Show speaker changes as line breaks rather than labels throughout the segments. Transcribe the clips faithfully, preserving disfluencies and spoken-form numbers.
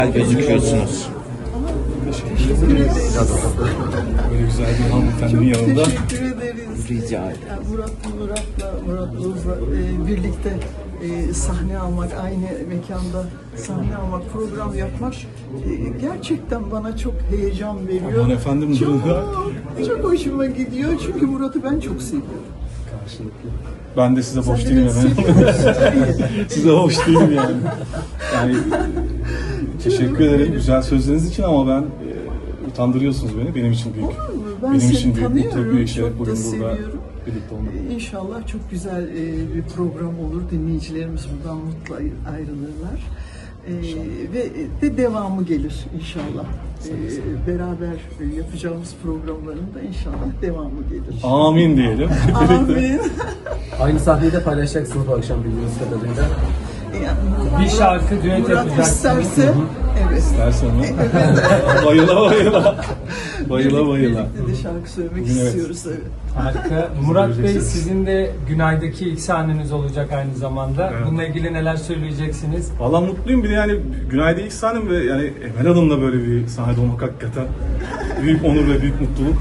Gözüküyorsunuz.
Teşekkür ederiz.
Böyle güzel bir hanımefendinin
Çok
yanında.
teşekkür ederiz.
Rica ederim.
Yani Murat, Murat'la, Murat Boz'la e, birlikte e, sahne almak, aynı mekanda sahne almak, program yapmak e, gerçekten bana çok heyecan veriyor.
Aman efendim,
çok,
durun.
çok hoşuma gidiyor çünkü Murat'ı ben çok seviyorum.
Karşılıklı. Ben de size
Sen
boş
de
değilim
beni
efendim.
seviyorsun.
Size hoş değilim yani. Yani teşekkür ederim güzel sözleriniz için ama ben e, utandırıyorsunuz beni. Benim için büyük.
Olur mu? Ben
Benim
seni
için büyük mutluluk,
tanıyorum,
büyük şeref
çok
bugün
da
burada
seviyorum.
birlikte olmak.
Ee, İnşallah çok güzel e, bir program olur. Dinleyicilerimiz buradan mutlu ayr- ayrılırlar. Ee, ve de devamı gelir inşallah. Ee, beraber e, yapacağımız programların da inşallah devamı gelir.
Amin diyelim.
Amin.
Aynı sahneyi de paylaşacaksınız bu akşam bildiğiniz kadarıyla.
Yani
Bir şarkı, düet
Murat
yapacaksınız.
isterse, evet.
Dersen mi? Bayıla bayıla. Bayıla bayıla.
Birlikte de şarkı söylemek
Bugün evet.
istiyoruz. Evet.
Harika. Murat Bey,
göreceksiniz.
sizin de Günay'daki ilk sahneniz olacak aynı zamanda.
Evet.
Bununla ilgili neler söyleyeceksiniz?
Valla mutluyum bir de yani Günay'da ilk sahnem ve yani Emel Hanım'la böyle bir sahnede olmak hakikaten büyük onur ve büyük mutluluk.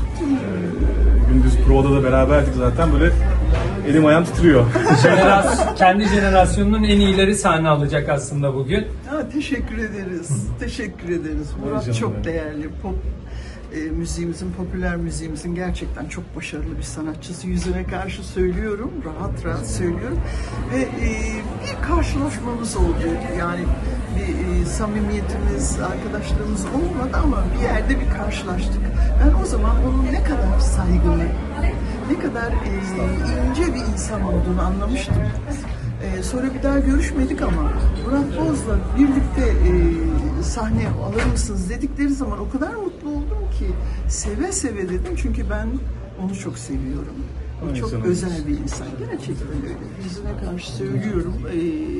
Ee, gündüz provada da beraberdik zaten böyle elim ayağım titriyor.
Jenerasyon, kendi jenerasyonunun en iyileri sahne alacak aslında bugün.
Ha, teşekkür ederiz. Teşekkür ederiz. Murat
canım
çok
benim.
değerli. Pop e, müziğimizin, popüler müziğimizin gerçekten çok başarılı bir sanatçısı. Yüzüne karşı söylüyorum, rahat rahat söylüyorum. Ve e, bir karşılaşmamız oldu. Yani bir e, samimiyetimiz, arkadaşlığımız olmadı ama bir yerde bir karşılaştık. Ben o zaman onun ne kadar saygılı, ne kadar e, ince bir insan olduğunu anlamıştım. Ee, sonra bir daha görüşmedik ama Murat Boz'la birlikte e, sahne alır mısınız dedikleri zaman o kadar mutlu oldum ki seve seve dedim çünkü ben onu çok seviyorum. O
Ay
çok
canım.
özel bir insan. Gerçekten öyle. Yüzüne karşı söylüyorum. Ee,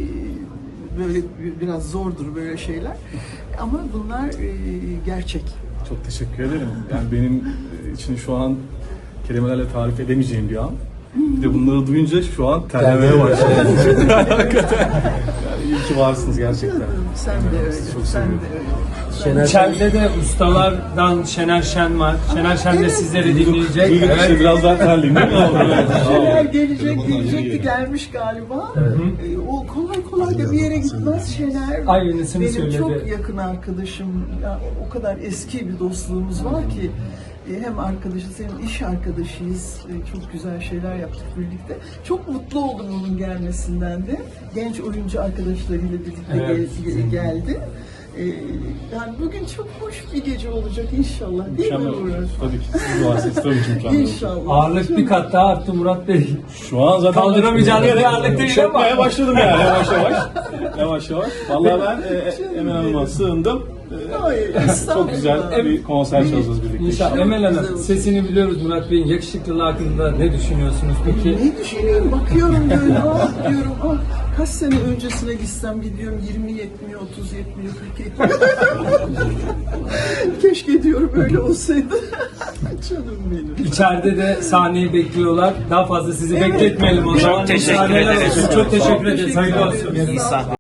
böyle biraz zordur böyle şeyler. Ama bunlar e, gerçek.
Çok teşekkür ederim. Yani benim için şu an kelimelerle tarif edemeyeceğim bir an. Bir de bunları duyunca şu an terlemeye başladım. Hakikaten. Yani iyi ki varsınız gerçekten.
Sen de öyle.
Çok
Sen de
seviyorum.
öyle.
Şener
İçeride de ustalardan Şener Şen var. Şener Şen de
evet.
sizleri dinleyecek.
Duyduk işte
Evet.
biraz daha terliyim değil mi?
Şener gelecek, gelecekti, gelmiş galiba. Ee, o kolay kolay da bir yere gitmez Şener.
Aynısını
Benim
söyledi.
çok yakın arkadaşım. Ya, o kadar eski bir dostluğumuz var ki e, hem arkadaşız hem iş arkadaşıyız. E, Çok güzel şeyler yaptık birlikte. Çok mutlu oldum onun gelmesinden de. Genç oyuncu arkadaşlarıyla birlikte
Evet.
gel- geldi. E, Yani bugün çok hoş bir gece olacak inşallah. Değil mi
Mükemmel.
Murat?
Tabii ki siz varsınız tabii ki mükemmel.
İnşallah.
Ağırlık bir kat daha arttı Murat Bey.
Şu an zaten
Kaldıramayacağınız bir ağırlık değil ama.
Çökmeye başladım yani yavaş yavaş. Yavaş yavaş. Vallahi ben e, Emel Hanım'a sığındım. E,
Hayır,
Çok
estağfurullah.
güzel bir konser çalacağız birlikte.
İnşallah. Emel
güzel
Hanım,
olacak.
sesini biliyoruz Murat Bey'in. Yakışıklılığı hakkında ne düşünüyorsunuz peki?
Ne düşünüyorum? Bakıyorum böyle, ah diyorum, ah kaç sene öncesine gitsem gidiyorum, yirmi yetmiyor, otuz yetmiyor, kırk yetmiyor. Keşke diyorum öyle olsaydı. Canım benim.
İçeride de sahneyi bekliyorlar. Daha fazla sizi bekletmeyelim o zaman.
teşekkür
Sahneler
ederiz.
olsun. Çok teşekkür ederiz.
Teşekkür
Hayırlı
ederiz.
olsun.
Sağ olun.